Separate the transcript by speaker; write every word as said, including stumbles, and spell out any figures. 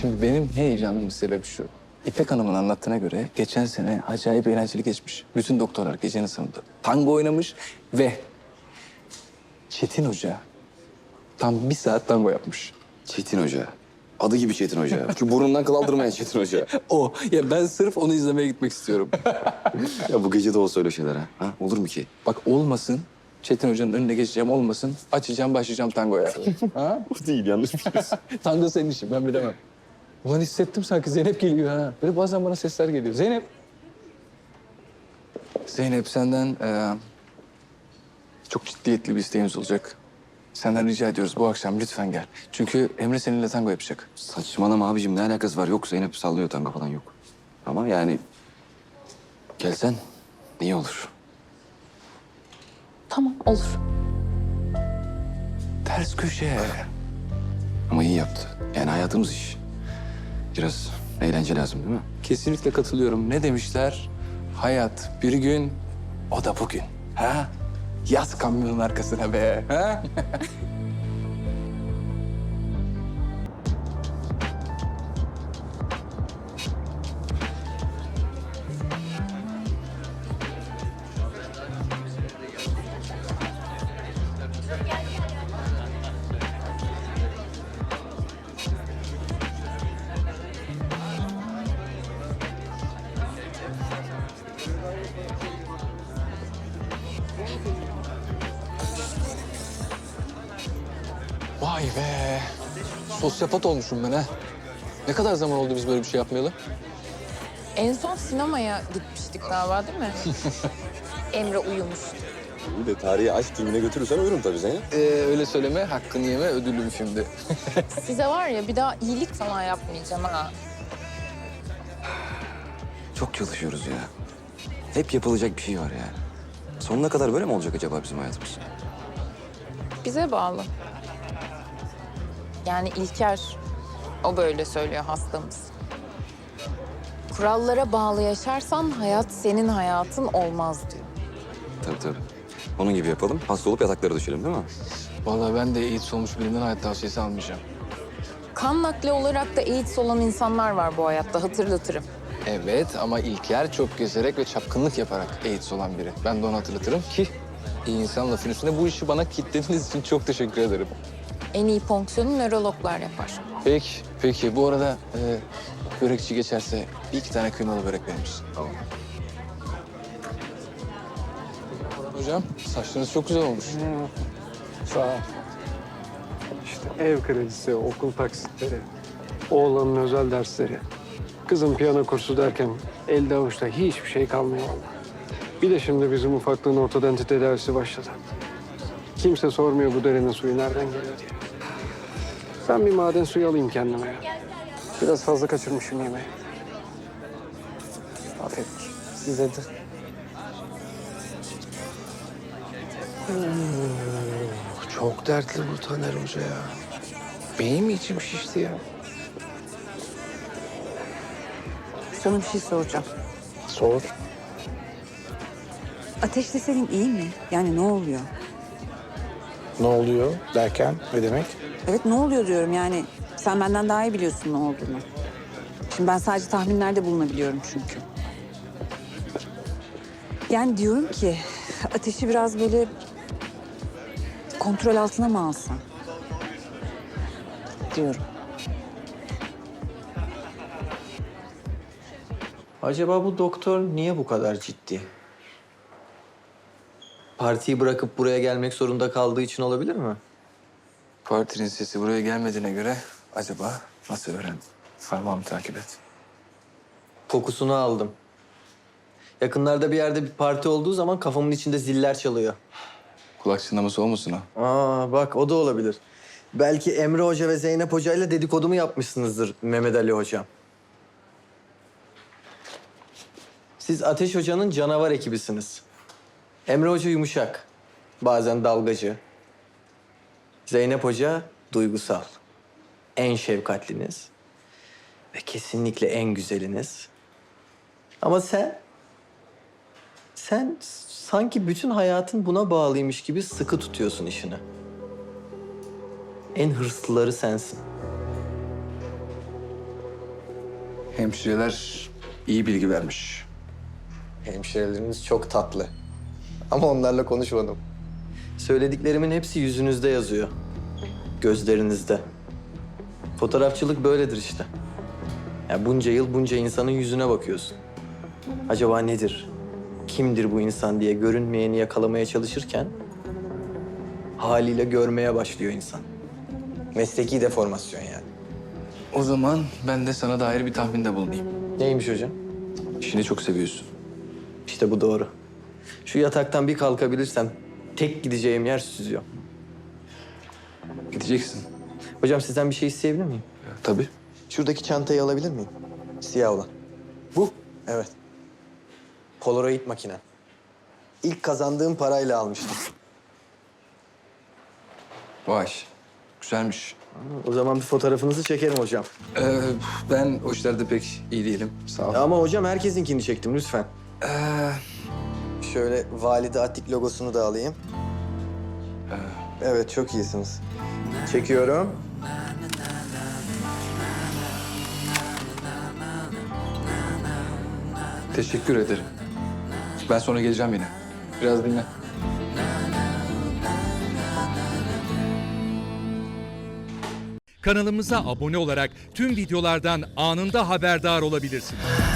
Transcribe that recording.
Speaker 1: Şimdi benim heyecanımın sebebi şu. İpek Hanım'ın anlattığına göre geçen sene acayip eğlenceli geçmiş. Bütün doktorlar gecenin sonunda tango oynamış ve Çetin Hoca tam bir saat tango yapmış.
Speaker 2: Çetin Hoca. Adı gibi Çetin Hoca. Şu burnundan kıl aldırmayan Çetin Hoca.
Speaker 1: O. Ya ben sırf onu izlemeye gitmek istiyorum.
Speaker 2: Ya bu gece de olsa öyle şeyler ha. ha? Olur mu ki?
Speaker 1: Bak olmasın. Çetin Hoca'nın önüne geçeceğim olmasın. Açacağım başlayacağım tangoya. Ha?
Speaker 2: Bu değil, yanlış biliyorsun.
Speaker 1: Tango senin işin ben bilemem. Ulan hissettim sanki Zeynep geliyor ha. Böyle bazen bana sesler geliyor. Zeynep. Zeynep senden eee, çok ciddiyetli bir isteğimiz olacak. Senden rica ediyoruz bu akşam lütfen gel. Çünkü Emre seninle tango yapacak.
Speaker 2: Saçmalama abicim, ne alakası var? Yok, Zeynep sallıyor, tango falan yok. Ama yani... Gelsen iyi olur.
Speaker 3: Tamam, olur.
Speaker 1: Ters köşe.
Speaker 2: Ama iyi yaptı. Yani hayatımız iş. Biraz eğlence lazım değil mi?
Speaker 1: Kesinlikle katılıyorum. Ne demişler? Hayat bir gün, o da bugün. Ha? Yaz kamyonun arkasına be. Ha? Vay be. Sosyopat olmuşum ben ha. Ne kadar zaman oldu biz böyle bir şey yapmayalı?
Speaker 3: En son sinemaya gitmiştik galiba değil mi? Emre uyumuştu.
Speaker 2: İyi de tarihi aşk filmine götürürsen uyurum tabii Zeynep.
Speaker 1: Ee, öyle söyleme, hakkını yeme, ödüllü bir filmdi.
Speaker 3: Size var ya bir daha iyilik falan yapmayacağım ha.
Speaker 2: Çok çalışıyoruz ya. Hep yapılacak bir şey var yani. Sonuna kadar böyle mi olacak acaba bizim hayatımız?
Speaker 3: Bize bağlı. Yani İlker, o böyle söylüyor hastamız. Kurallara bağlı yaşarsan hayat senin hayatın olmaz diyor.
Speaker 2: Tabii tabii. Onun gibi yapalım. Hasta olup yataklara düşelim değil mi?
Speaker 1: Vallahi ben de AIDS olmuş birinden hayat tavsiyesi almayacağım.
Speaker 3: Kan nakli olarak da AIDS olan insanlar var bu hayatta, hatırlatırım.
Speaker 1: Evet ama İlker çok gezerek ve çapkınlık yaparak AIDS olan biri. Ben de onu hatırlatırım ki iyi insan lafın üstüne bu işi bana kilitlediğiniz için çok teşekkür ederim.
Speaker 3: En iyi fonksiyonu nörologlar yapar.
Speaker 1: Peki, peki. Bu arada e, börekçi geçerse bir iki tane kıymalı börek verir misin?
Speaker 2: Tamam.
Speaker 1: Hocam saçlarınız çok güzel olmuş.
Speaker 4: Sağ ol. İşte ev kredisi, okul taksitleri, oğlanın özel dersleri, kızın piyano kursu derken elde avuçta hiçbir şey kalmıyor vallahi. Bir de şimdi bizim ufaklığın ortodonti tedavisi başladı. Kimse sormuyor bu derenin suyu nereden geliyor diye. Ben bir maden suyu alayım kendime ya. Biraz fazla kaçırmışım yemeği. Afiyet olsun.
Speaker 1: Size de.
Speaker 4: Çok dertli bu Taner Hoca ya. Benim içim şişti ya.
Speaker 5: Sana bir şey soracağım.
Speaker 4: Sor.
Speaker 5: Ateşli Selim iyi mi? Yani ne oluyor?
Speaker 6: Ne oluyor derken ne demek?
Speaker 5: Evet ne oluyor diyorum yani. Sen benden daha iyi biliyorsun ne olduğunu. Şimdi ben sadece tahminlerde bulunabiliyorum çünkü. Yani diyorum ki ateşi biraz böyle kontrol altına mı alsan? Diyorum.
Speaker 7: Acaba bu doktor niye bu kadar ciddi? Partiyi bırakıp buraya gelmek zorunda kaldığı için olabilir mi?
Speaker 1: Partinin sesi buraya gelmediğine göre acaba nasıl öğrendi? Parmağımı takip et.
Speaker 7: Kokusunu aldım. Yakınlarda bir yerde bir parti olduğu zaman kafamın içinde ziller çalıyor.
Speaker 1: Kulak çınlaması olmasın o?
Speaker 7: Aa bak o da olabilir. Belki Emre Hoca ve Zeynep Hoca ile dedikodumu yapmışsınızdır Mehmet Ali Hocam. Siz Ateş Hoca'nın canavar ekibisiniz. Emre Hoca yumuşak, bazen dalgacı. Zeynep Hoca duygusal. En şefkatliniz ve kesinlikle en güzeliniz. Ama sen, sen sanki bütün hayatın buna bağlıymış gibi sıkı tutuyorsun işini. En hırslıları sensin.
Speaker 1: Hemşireler iyi bilgi vermiş.
Speaker 7: Hemşireleriniz çok tatlı. Ama onlarla konuşmadım. Söylediklerimin hepsi yüzünüzde yazıyor. Gözlerinizde. Fotoğrafçılık böyledir işte. Ya bunca yıl bunca insanın yüzüne bakıyorsun. Acaba nedir? Kimdir bu insan diye görünmeyeni yakalamaya çalışırken haliyle görmeye başlıyor insan. Mesleki deformasyon yani.
Speaker 1: O zaman ben de sana dair bir tahminde bulunayım.
Speaker 7: Neymiş hocam?
Speaker 1: İşini çok seviyorsun.
Speaker 7: İşte bu doğru. Şu yataktan bir kalkabilirsem tek gideceğim yer stüdyo.
Speaker 1: Gideceksin.
Speaker 7: Hocam sizden bir şey isteyebilir miyim?
Speaker 1: Tabii.
Speaker 7: Şuradaki çantayı alabilir miyim? Siyah olan. Bu? Evet. Polaroid makine. İlk kazandığım parayla almıştım.
Speaker 1: Vay. Güzelmiş.
Speaker 7: O zaman bir fotoğrafınızı çekerim hocam.
Speaker 1: Ee, ben o işlerde pek iyi değilim. Sağ ol.
Speaker 7: Ama hocam herkesinkini çektim lütfen.
Speaker 1: Ee,
Speaker 7: Şöyle Valide Atik logosunu da alayım. Evet çok iyisiniz. Çekiyorum.
Speaker 1: teşekkür ederim. Ben sonra geleceğim yine. Biraz dinle.
Speaker 8: Kanalımıza abone olarak tüm videolardan anında haberdar olabilirsiniz.